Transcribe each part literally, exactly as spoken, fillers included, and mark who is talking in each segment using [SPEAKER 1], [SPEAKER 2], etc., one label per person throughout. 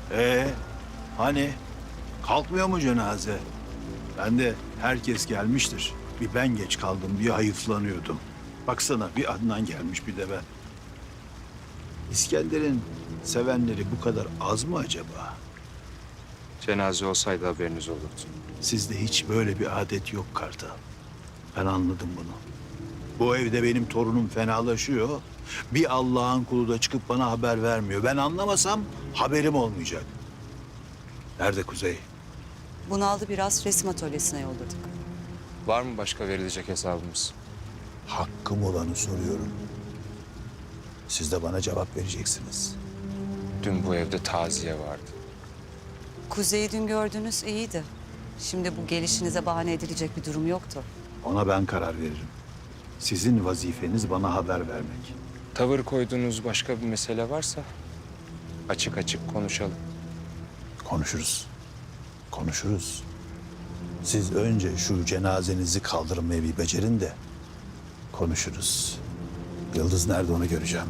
[SPEAKER 1] Ee, hani kalkmıyor mu cenaze? Ben de herkes gelmiştir. Bir ben geç kaldım diye hayıflanıyordum. Baksana bir Adnan gelmiş bir de ben. İskender'in sevenleri bu kadar az mı acaba?
[SPEAKER 2] Cenaze olsaydı haberiniz olurdu.
[SPEAKER 1] Sizde hiç böyle bir adet yok Kartal. Ben anladım bunu. Bu evde benim torunum fenalaşıyor. Bir Allah'ın kulu da çıkıp bana haber vermiyor. Ben anlamasam haberim olmayacak. Nerede Kuzey?
[SPEAKER 3] Bunaldı biraz, resim atölyesine yolladık.
[SPEAKER 2] Var mı başka verilecek hesabımız?
[SPEAKER 1] Hakkım olanı soruyorum. Siz de bana cevap vereceksiniz.
[SPEAKER 2] Dün bu evde taziye vardı.
[SPEAKER 3] Kuzey'i dün gördünüz, iyiydi. Şimdi bu gelişinize bahane edilecek bir durum yoktu.
[SPEAKER 1] Ona ben karar veririm. Sizin vazifeniz bana haber vermek.
[SPEAKER 2] Tavır koyduğunuz başka bir mesele varsa açık açık konuşalım.
[SPEAKER 1] Konuşuruz. Konuşuruz. Siz önce şu cenazenizi kaldırmayı bir becerin de konuşuruz. Yıldız nerede onu göreceğim.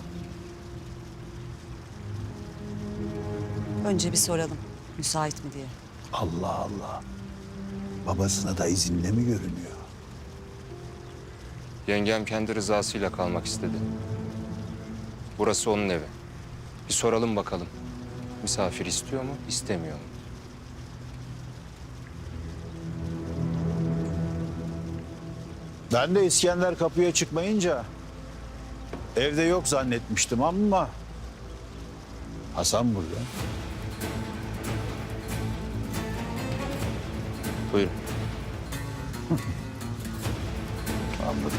[SPEAKER 3] Önce bir soralım, müsait mi diye.
[SPEAKER 1] Allah Allah. Babasına da izinle mi görünüyor?
[SPEAKER 2] Yengem kendi rızasıyla kalmak istedi. Burası onun evi. Bir soralım bakalım. Misafir istiyor mu, istemiyor mu?
[SPEAKER 1] Ben de İskender kapıya çıkmayınca evde yok zannetmiştim ama Hasan burada.
[SPEAKER 2] Buyurun.
[SPEAKER 1] Anladım.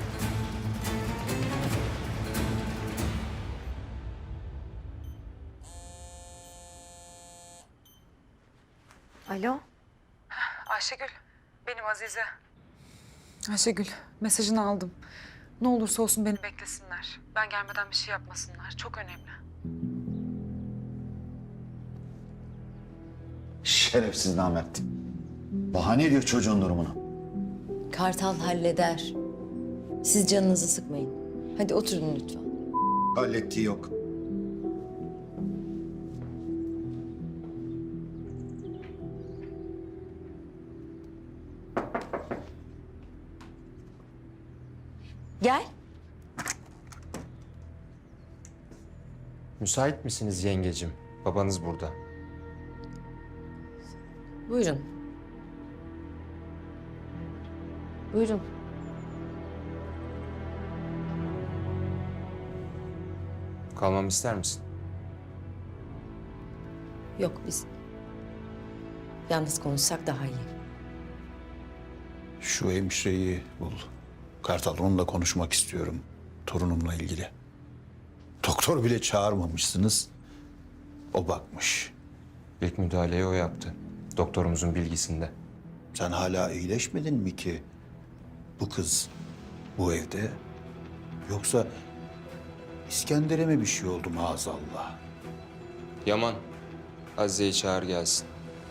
[SPEAKER 4] Alo.
[SPEAKER 5] Ayşegül, benim Azize. Ayşegül, mesajını aldım. Ne olursa olsun beni beklesinler. Ben gelmeden bir şey yapmasınlar. Çok önemli.
[SPEAKER 6] Şerefsiz namert. Bahane ediyor çocuğun durumunu.
[SPEAKER 4] Kartal halleder. Siz canınızı sıkmayın. Hadi oturun lütfen.
[SPEAKER 6] Hallettiği yok.
[SPEAKER 4] Gel.
[SPEAKER 2] Müsait misiniz yengecim? Babanız burada.
[SPEAKER 4] Buyurun. Buyurun.
[SPEAKER 2] Kalmamı ister misin?
[SPEAKER 4] Yok biz yalnız konuşsak daha iyi.
[SPEAKER 1] Şu hemşireyi bul. Kartal, onunla konuşmak istiyorum. Torunumla ilgili. Doktor bile çağırmamışsınız. O bakmış.
[SPEAKER 2] İlk müdahaleyi o yaptı. Doktorumuzun bilgisinde.
[SPEAKER 1] Sen hala iyileşmedin mi ki? Bu kız bu evde. Yoksa İskender'e mi bir şey oldu maazallah?
[SPEAKER 2] Yaman, Azize'yi çağır gelsin.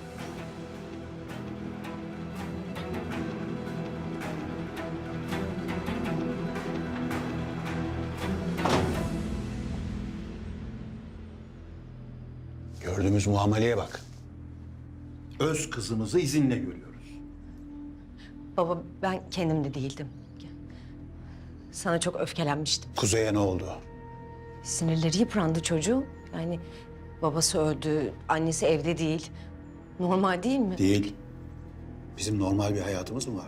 [SPEAKER 1] Gördüğümüz muameleye bak. Öz kızımızı izinle görüyoruz.
[SPEAKER 4] Baba ben kendimde değildim. Sana çok öfkelenmiştim.
[SPEAKER 1] Kuzey'e ne oldu?
[SPEAKER 4] Sinirleri yıprandı çocuğun. Yani babası öldü, annesi evde değil. Normal değil mi?
[SPEAKER 1] Değil. Bizim normal bir hayatımız mı var?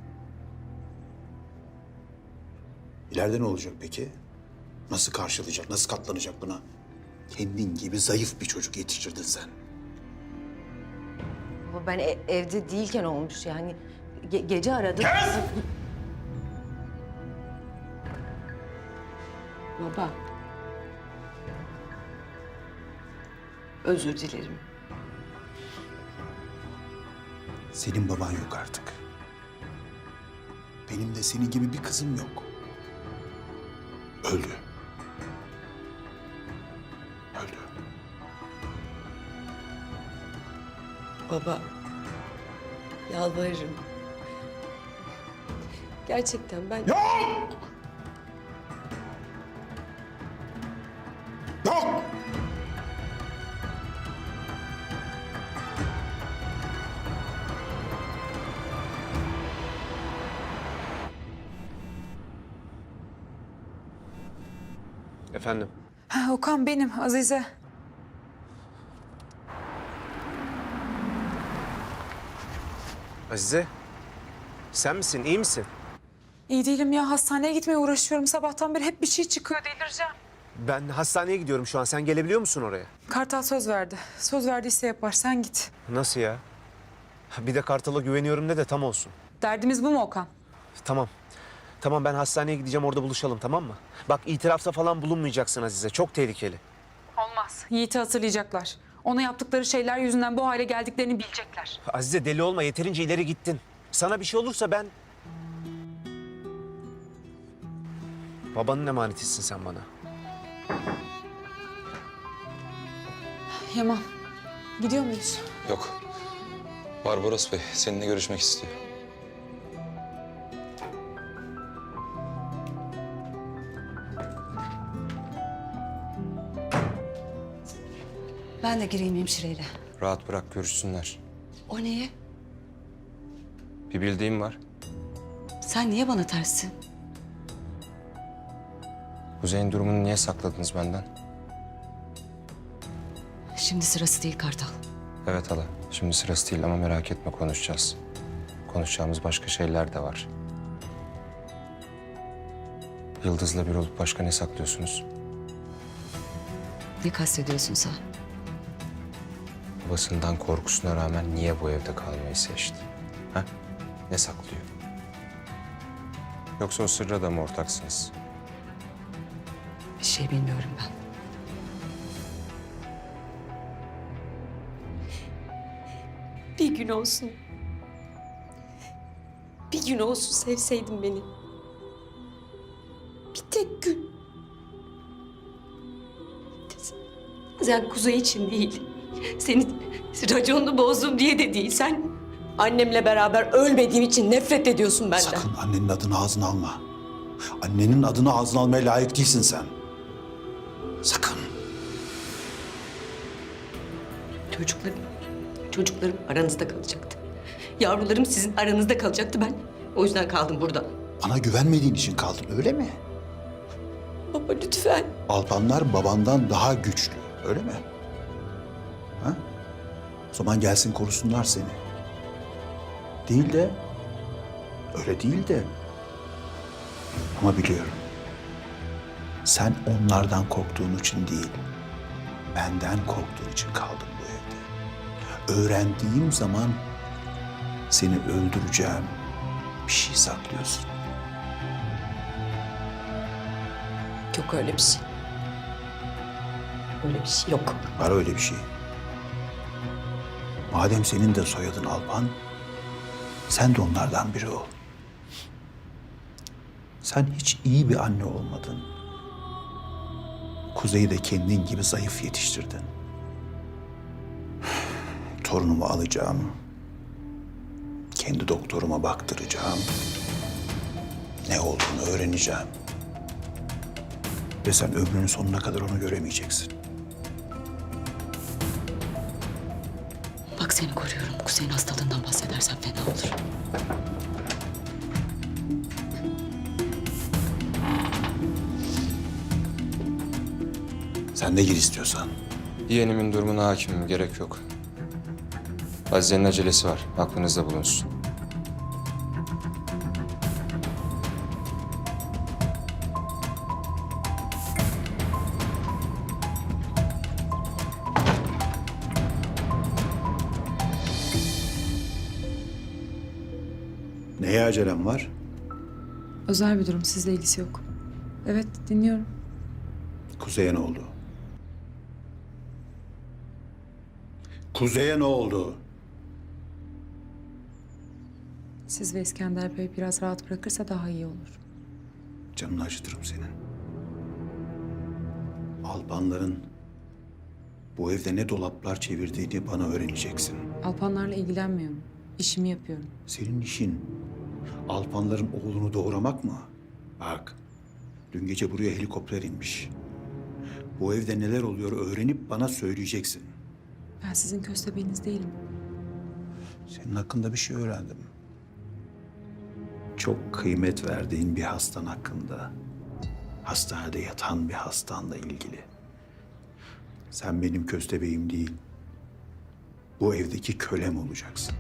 [SPEAKER 1] İleride ne olacak peki? Nasıl karşılayacak, nasıl katlanacak buna? Kendin gibi zayıf bir çocuk yetiştirdin sen.
[SPEAKER 4] Baba ben e- evde değilken olmuş yani. Ge- gece aradım. Baba. Özür dilerim.
[SPEAKER 1] Senin baban yok artık. Benim de senin gibi bir kızım yok. Öldü. Öldü.
[SPEAKER 4] Baba. Yalvarırım. Gerçekten ben...
[SPEAKER 1] Yok! Yok!
[SPEAKER 7] Efendim?
[SPEAKER 5] Ha, Okan benim, Azize.
[SPEAKER 7] Azize, sen misin? İyi misin?
[SPEAKER 5] İyi değilim ya, hastaneye gitmeye uğraşıyorum. Sabahtan beri hep bir şey çıkıyor, delireceğim.
[SPEAKER 7] Ben hastaneye gidiyorum şu an. Sen gelebiliyor musun oraya?
[SPEAKER 5] Kartal söz verdi. Söz verdiyse yapar, sen git.
[SPEAKER 7] Nasıl ya? Bir de Kartal'a güveniyorum de de tam olsun.
[SPEAKER 5] Derdimiz bu mu Okan?
[SPEAKER 7] Tamam. Tamam, ben hastaneye gideceğim, orada buluşalım, tamam mı? Bak, itirafta falan bulunmayacaksın Azize. Çok tehlikeli.
[SPEAKER 5] Olmaz. Yiğit'i hatırlayacaklar. Ona yaptıkları şeyler yüzünden bu hale geldiklerini bilecekler.
[SPEAKER 7] Azize, deli olma. Yeterince ileri gittin. Sana bir şey olursa ben... Babanın emanetisin sen bana.
[SPEAKER 5] Yaman, gidiyor muyuz?
[SPEAKER 8] Yok. Barbaros Bey seninle görüşmek istiyor.
[SPEAKER 3] Ben de gireyim hemşireyle.
[SPEAKER 2] Rahat bırak görüşsünler.
[SPEAKER 3] O neye?
[SPEAKER 2] Bir bildiğim var.
[SPEAKER 3] Sen niye bana terssin?
[SPEAKER 2] Kuzey'in durumunu niye sakladınız benden?
[SPEAKER 3] Şimdi sırası değil Kartal.
[SPEAKER 2] Evet hala. Şimdi sırası değil ama merak etme, konuşacağız. Konuşacağımız başka şeyler de var. Yıldız'la bir olup başka ne saklıyorsunuz?
[SPEAKER 3] Ne kastediyorsun sen?
[SPEAKER 2] Babasından korkusuna rağmen niye bu evde kalmayı seçti? Ha? Ne saklıyor? Yoksa o sırra da mı ortaksınız?
[SPEAKER 3] Bir şey bilmiyorum ben.
[SPEAKER 4] Bir gün olsun. Bir gün olsun sevseydin beni. Bir tek gün. Sen Kuzey için değil. Senin raconunu bozdum diye de değil. Sen annemle beraber ölmediğim için nefret ediyorsun benden.
[SPEAKER 1] Sakın annenin adını ağzına alma. Annenin adını ağzına almaya layık değilsin sen. Sakın.
[SPEAKER 4] Çocuklarım, çocuklarım aranızda kalacaktı. Yavrularım sizin aranızda kalacaktı ben. O yüzden kaldım burada.
[SPEAKER 1] Bana güvenmediğin için kaldın, öyle mi?
[SPEAKER 4] Baba lütfen.
[SPEAKER 1] Alpanlar babandan daha güçlü, öyle mi? Ha? O zaman gelsin korusunlar seni. Değil de, öyle değil de. Ama biliyorum. Sen onlardan korktuğun için değil, benden korktuğun için kaldın bu evde. Öğrendiğim zaman seni öldüreceğim bir şey saklıyorsun.
[SPEAKER 4] Yok öyle bir şey. Öyle bir şey yok.
[SPEAKER 1] Var öyle bir şey. Madem senin de soyadın Alpan, sen de onlardan biri ol. Sen hiç iyi bir anne olmadın. Kuzey'i de kendin gibi zayıf yetiştirdin. Torunumu alacağım. Kendi doktoruma baktıracağım. Ne olduğunu öğreneceğim. Ve sen ömrünün sonuna kadar onu göremeyeceksin.
[SPEAKER 3] Bak seni koruyorum. Kuzey'in hastalığından bahsedersen fena olur.
[SPEAKER 1] Sen de gir istiyorsan.
[SPEAKER 2] Yeğenimin durumuna hakimim, gerek yok. Azize'nin acelesi var, aklınızda bulunsun.
[SPEAKER 1] Neye acelem var?
[SPEAKER 5] Özel bir durum, sizle ilgisi yok. Evet, dinliyorum.
[SPEAKER 1] Kuzey'e ne oldu? Kuzey'e ne oldu?
[SPEAKER 5] Siz ve İskender Bey biraz rahat bırakırsa daha iyi olur.
[SPEAKER 1] Canını acıtırım senin. Alpanların bu evde ne dolaplar çevirdiğini bana öğreneceksin.
[SPEAKER 5] Alpanlarla ilgilenmiyorum. İşimi yapıyorum.
[SPEAKER 1] Senin işin Alpanların oğlunu doğuramak mı? Bak, dün gece buraya helikopter inmiş. Bu evde neler oluyor öğrenip bana söyleyeceksin.
[SPEAKER 5] Ben sizin köstebeğiniz değilim.
[SPEAKER 1] Senin hakkında bir şey öğrendim. Çok kıymet verdiğin bir hastan hakkında. hastanede yatan bir hastanla ilgili. Sen benim köstebeğim değil, bu evdeki kölem olacaksın.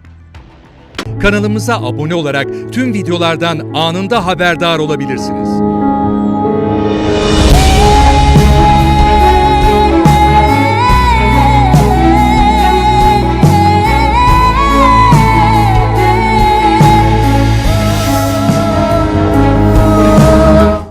[SPEAKER 9] Kanalımıza abone olarak tüm videolardan anında haberdar olabilirsiniz.